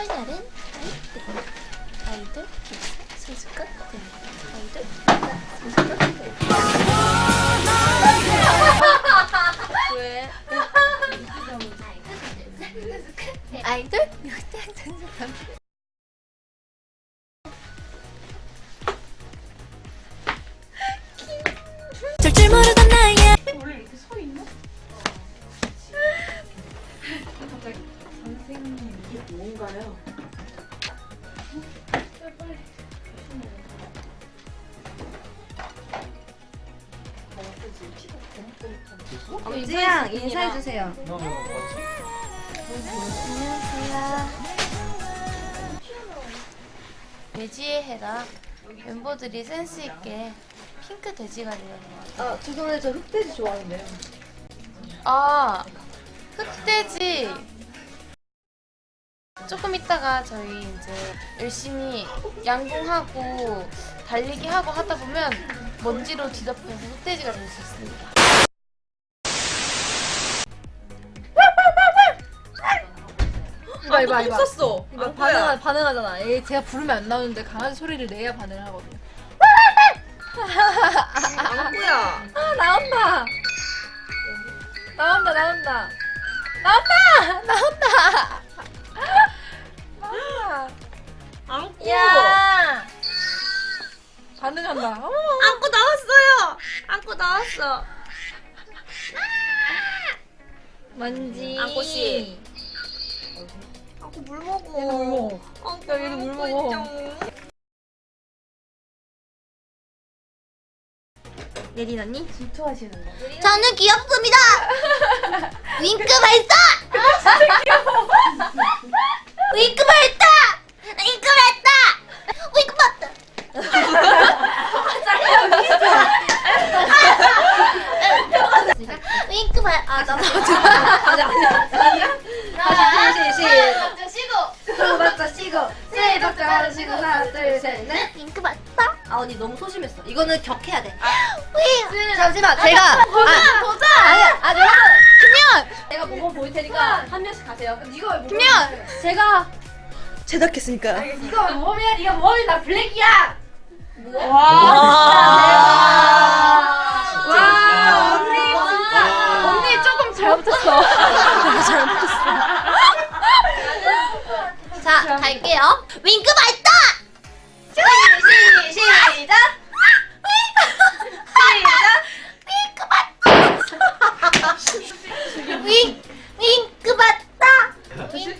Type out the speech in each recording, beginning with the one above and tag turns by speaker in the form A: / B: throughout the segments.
A: 오늘날은 아이들 소속감 아이들 소속감 왜? 아이돌 소속감 절줄 모르던 나의
B: 원래 이렇게 서 있나? 갑자기 선생님 이게 뭔가요? 빨리.
C: 엄지양 인사해주세요.
A: 안녕하세요. 돼지의 해라 멤버들이 센스 있게 핑크 돼지가 되려고.
C: 죄송해요. 저 흑돼지 좋아하는데요.
A: 아, 흑돼지. 조금 있다가 저희 이제 열심히 양궁하고 달리기 하고 하다 보면 먼지로 뒤덮여서 흑돼지가 될 수 있습니다.
C: 이봐.
B: 있었어.
C: 이거 반응하잖아. 제가 부르면 안 나오는데 강아지 소리를 내야 반응을 하거든요.
B: 안구야.
C: 나온다.
B: 안구.
C: 야. 반응한다.
B: 안구 나왔어요. 안구 나왔어.
C: 먼지.
B: 안구씨. 안구 물 먹어.
C: 얘도 물 먹어.
B: 안구
C: 야, 얘도 물 먹어. 예린 언니 질투하시는 거.
A: 저는 귀엽습니다. 윙크 발사. 윙크 발사. 윙크 발사. 윙크 발사. 윙크 발. 나
C: 박자 쉬고. 두 박자 쉬고. 세 박자 쉬고. 하나 둘 셋 넷.
A: 윙크 발사.
C: 아 언니 너무 소심했어. 이거는 격해야 돼.
A: 윙.
C: 잠시만 제가
A: 보자.
C: 아니야 내가
A: 김연.
C: 내가 모범 보일 테니까 한 명씩 가세요. 그럼 네가 왜 모범?
A: 김연.
C: 제가
B: 제작했으니까요.
C: 네가 왜 모범이야? 네가 모범이 나 블랙이야.
B: 와,
C: 언니 진짜 언니 조금 잘못했어.
A: 자, 갈게요. 윙크 발사.
C: 시작.
A: 윙크 봤다. 윙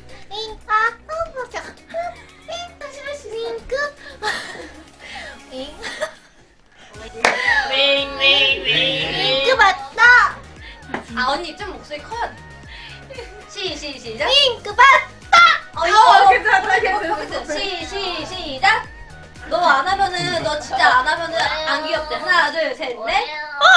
A: 윙크 봤다.
C: 아 언니 좀 목소리 커요. 시작.
A: 윙크 봤다.
C: 괜찮아. 시작. 너 안 하면은 너 진짜 안 하면은 안 귀엽대. 하나 둘 셋 넷.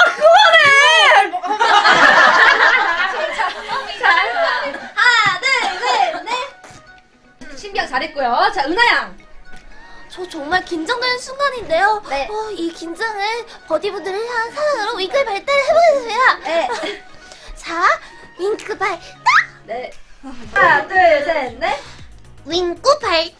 C: 하나 둘 셋 넷. 신비양 잘했고요. 자 은하양.
A: 저 정말 긴장되는 순간인데요.
C: 네.
A: 이 긴장을 버디분들을 향한 사랑으로 윙크 발달을 해보겠습니다.
C: 네.
A: 자, 윙크 발달.
C: 네. 하나 둘 셋 넷.
A: 윙크 발달.